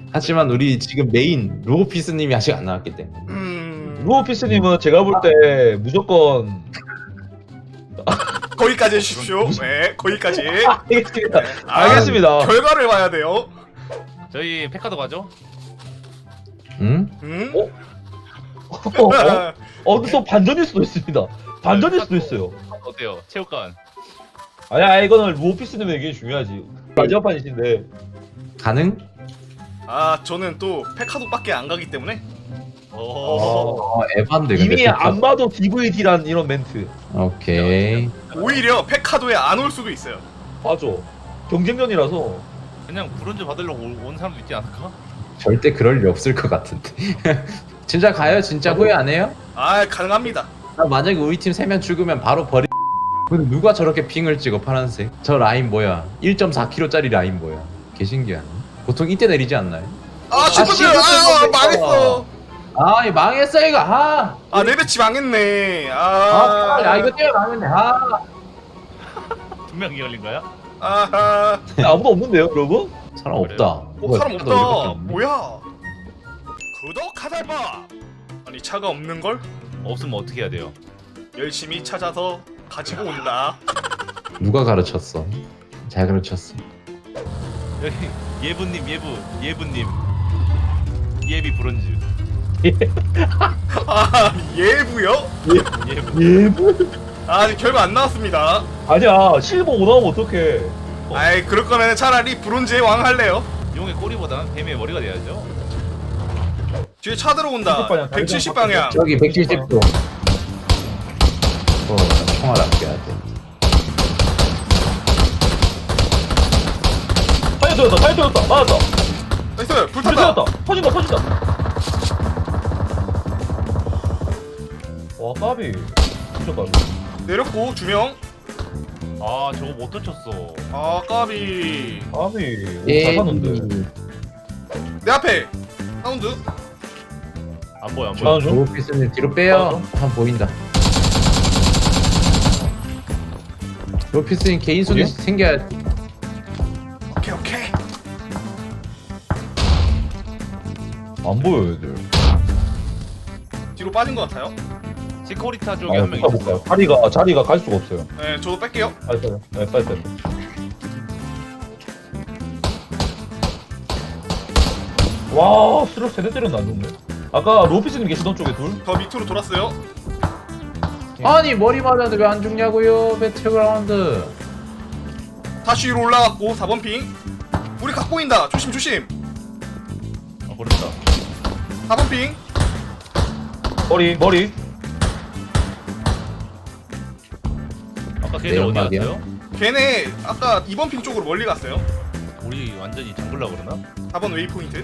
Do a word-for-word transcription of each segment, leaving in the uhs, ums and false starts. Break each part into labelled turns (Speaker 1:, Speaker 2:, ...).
Speaker 1: 하지만 우리 지금 메인 로보피스님이 아직 안 나왔기 때문에.
Speaker 2: 음.
Speaker 3: 루오피스님은 제가 볼 때 무조건
Speaker 2: 거기까지 해주십시오. 네, 거기까지.
Speaker 3: 알겠습니다.
Speaker 2: 아,
Speaker 3: 알겠습니다.
Speaker 2: 결과를 봐야 돼요.
Speaker 4: 저희 페카도 가죠?
Speaker 1: 응?
Speaker 2: 음?
Speaker 3: 어? 어? 어? 어디서 반전일 수도 있습니다. 반전일 수도 있어요.
Speaker 4: 어때요? 체육관.
Speaker 3: 아니야, 이거는 루오피스님의 얘기 중요하지. 마지막 판이신데.
Speaker 1: 가능?
Speaker 2: 아, 저는 또 페카도밖에 안 가기 때문에.
Speaker 4: 오.
Speaker 1: 어, 에반데 근데.
Speaker 3: 이미
Speaker 1: 페카.
Speaker 3: 안 봐도 디브이디란 이런 멘트.
Speaker 1: 오케이.
Speaker 2: 오히려 페카도에 안 올 수도 있어요.
Speaker 3: 맞아. 경쟁전이라서.
Speaker 4: 그냥 브론즈 받으려고 온- 온 사람도 있지 않을까?
Speaker 1: 절대 그럴 일 없을 것 같은데. 진짜 가요? 진짜 후회 안 해요?
Speaker 2: 아, 가능합니다.
Speaker 1: 나 만약에 우리 팀 세 명 죽으면 바로 버리. 근데 누가 저렇게 핑을 찍어 파란색? 저 라인 뭐야? 일 점 사 킬로미터짜리 라인 뭐야? 개 신기하네. 보통 이때 내리지 않나요?
Speaker 2: 아, 시프트!
Speaker 3: 시프트
Speaker 2: 아,
Speaker 3: 먼저
Speaker 2: 망했어.
Speaker 1: 아, 이 망했어 이거. 아,
Speaker 2: 아, 내 배치 망했네.
Speaker 1: 아,
Speaker 2: 아,
Speaker 1: 야 이거 때문에 망했네. 아,
Speaker 4: 두 명이 걸린 거야?
Speaker 2: 아하.
Speaker 3: 근데 아무도 없는데요, 여러분?
Speaker 1: 사람 없다.
Speaker 2: 어, 사람 없다. 뭐야? 구독하달봐. 아니, 차가 없는 걸
Speaker 4: 없으면 어떻게 해야 돼요?
Speaker 2: 열심히 찾아서 가지고 온다.
Speaker 1: 누가 가르쳤어? 잘 가르쳤어.
Speaker 4: 여기 예부님 예부 예부님 예비 브론즈
Speaker 2: 아, 예부요?
Speaker 4: 예부.
Speaker 3: 예부?
Speaker 2: 아, 아직 결과 안 나왔습니다.
Speaker 3: 아니야, 실버 오 나오면 어떡해.
Speaker 2: 아이, 그럴 거면 차라리 브론즈의 왕 할래요.
Speaker 4: 용의 꼬리보다는 뱀의 머리가 돼야죠.
Speaker 2: 뒤에 차 들어온다. 백칠십 방향.
Speaker 1: 저기 백칠십 도. 어, 총알 아껴야 돼.
Speaker 3: 타이어 터졌다, 타이어 터졌다. 맞았다.
Speaker 2: 나이스,
Speaker 3: 불
Speaker 2: 불탔다.
Speaker 3: 터졌다. 터진다, 터진다. 와, 까비. 진짜 까비.
Speaker 2: 내렸고 두 명.
Speaker 4: 아 저거 못 터쳤어.
Speaker 2: 아, 까비.
Speaker 3: 까비.
Speaker 1: 예.
Speaker 3: 잘 샀는데.
Speaker 2: 내 앞에 사운드.
Speaker 4: 안 보여 안 보여.
Speaker 3: 저는 좀.
Speaker 1: 로피스님 뒤로 빼요. 한 보인다. 로피스님 개인 손이
Speaker 3: 어디요?
Speaker 1: 생겨야.
Speaker 2: 오케이, 오케이.
Speaker 3: 안 보여, 얘들.
Speaker 2: 뒤로 빠진 것 같아요.
Speaker 4: 시코리타 쪽에
Speaker 3: 아,
Speaker 4: 한 명
Speaker 3: 못 가, 못
Speaker 4: 있어요.
Speaker 3: 가. 자리가, 자리가 갈 수가 없어요.
Speaker 2: 네, 저도 뺄게요.
Speaker 3: 빨리 빨리. 네, 빨리 빨리. 와, 스트럭 세대 때렸는데 안 좋네. 아까 로피스님 계시던 쪽에 둘?
Speaker 2: 더 밑으로 돌았어요.
Speaker 1: 아니 머리 맞았는데 왜 안 죽냐고요? 배틀그라운드.
Speaker 2: 다시 위로 올라갔고 사 번 핑. 우리 각 보인다. 조심, 조심.
Speaker 4: 아 모른다.
Speaker 2: 사 번 핑.
Speaker 3: 머리, 머리.
Speaker 4: 아까 걔네 어디
Speaker 1: 내연막이야?
Speaker 4: 갔어요?
Speaker 2: 걔네 아까 이 번 핑 쪽으로 멀리 갔어요.
Speaker 4: 우리 완전히 잠글라 그러나?
Speaker 2: 사 번 웨이포인트.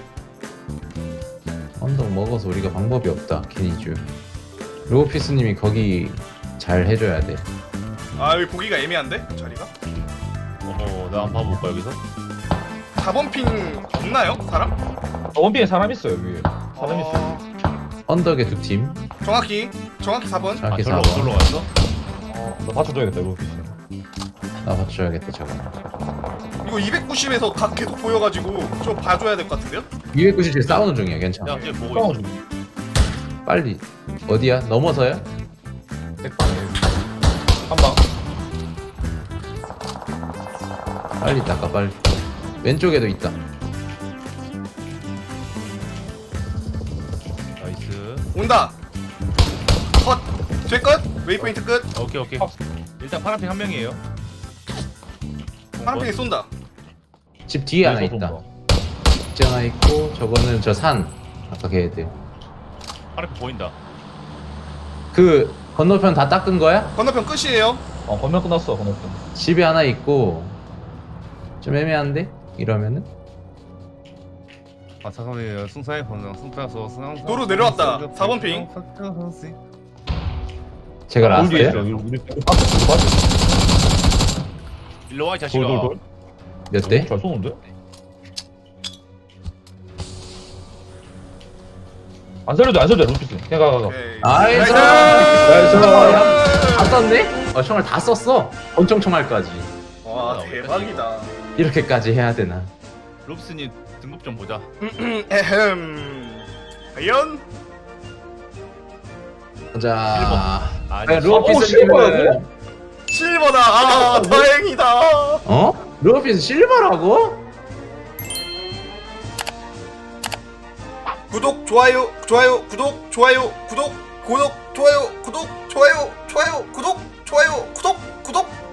Speaker 1: 언덕 먹어서 우리가 방법이 없다. 캐니쥬. 로피스님이 거기 잘 해줘야 돼.
Speaker 2: 아, 여기 보기가 애매한데? 자리가?
Speaker 4: 어허 나 한번 봐볼까 여기서?
Speaker 2: 사 번 핑 없나요? 사람?
Speaker 3: 아, 원빈에 사람 있어요, 위에. 사람 있어요.
Speaker 2: 어...
Speaker 1: 언덕에 두 팀.
Speaker 2: 정확히 정확히 사 번.
Speaker 4: 아
Speaker 1: 정확히
Speaker 4: 절로
Speaker 1: 사 번.
Speaker 4: 절로 갔어?
Speaker 3: 어, 나 받쳐줘야겠다, 로피스.
Speaker 1: 나 받쳐야겠다 저거.
Speaker 2: 이거 이백구십에서 각 계속 보여가지고 좀 봐줘야 될 것 같은데요?
Speaker 1: 이백구십칠 싸우는 중이야. 괜찮아.
Speaker 4: 야 지금 보고
Speaker 3: 싸워줘.
Speaker 4: 있어.
Speaker 1: 빨리. 어디야? 넘어서요?
Speaker 3: 백방. 한 방.
Speaker 1: 빨리 닦아 빨리. 왼쪽에도 있다.
Speaker 4: 나이스.
Speaker 2: 온다. 컷. 제 끝. 웨이포인트 끝.
Speaker 4: 오케이 오케이. 일단 파란핑 한 명이에요.
Speaker 2: 파란 핑이 쏜다.
Speaker 1: 집 뒤에 하나
Speaker 3: 뒤에서
Speaker 1: 있다.
Speaker 3: 쏜다.
Speaker 1: 집 하나 있고 저거는 저 산. 아까 걔들.
Speaker 4: 파란핑 보인다.
Speaker 1: 그 건너편 다 닦은 거야?
Speaker 2: 건너편 끝이에요.
Speaker 3: 어, 건너 끝났어, 건너편.
Speaker 1: 집에 하나 있고 좀 애매한데? 이러면은?
Speaker 4: 아 사선이 승사의 번장 승사서 승상.
Speaker 2: 도로 내려왔다. 사 번 핑.
Speaker 1: 제가
Speaker 3: 돌 뒤에 있어.
Speaker 1: 라스트야?
Speaker 3: 우리, 우리 빠져, 우리 빠져.
Speaker 4: 일로 와이 자식아.
Speaker 3: 돌, 돌, 돌.
Speaker 1: 몇 대?
Speaker 3: 잘 쏘는데? 안 살려줘, 안 살려줘, 루피스. 그냥 가, 가, 가.
Speaker 2: 오케이.
Speaker 1: 나이스!
Speaker 2: 나이스!
Speaker 1: 다 썼네? 어, 총알 다 썼어. 권총 총알까지.
Speaker 2: 와, 대박이다.
Speaker 1: 이렇게까지 해야 되나?
Speaker 4: 롭스님 등급 좀 보자.
Speaker 2: 에헴. 과연?
Speaker 1: 자,
Speaker 4: 아니,
Speaker 3: 어,
Speaker 1: 루어피스님은
Speaker 2: 실버다. 아, 다행이다.
Speaker 1: 어? 루어피스 실버라고?
Speaker 2: 구독, 좋아요, 좋아요, 구독, 좋아요, 구독, 구독, 좋아요, 구독, 좋아요, 좋아요, 구독, 좋아요, 구독, 구독.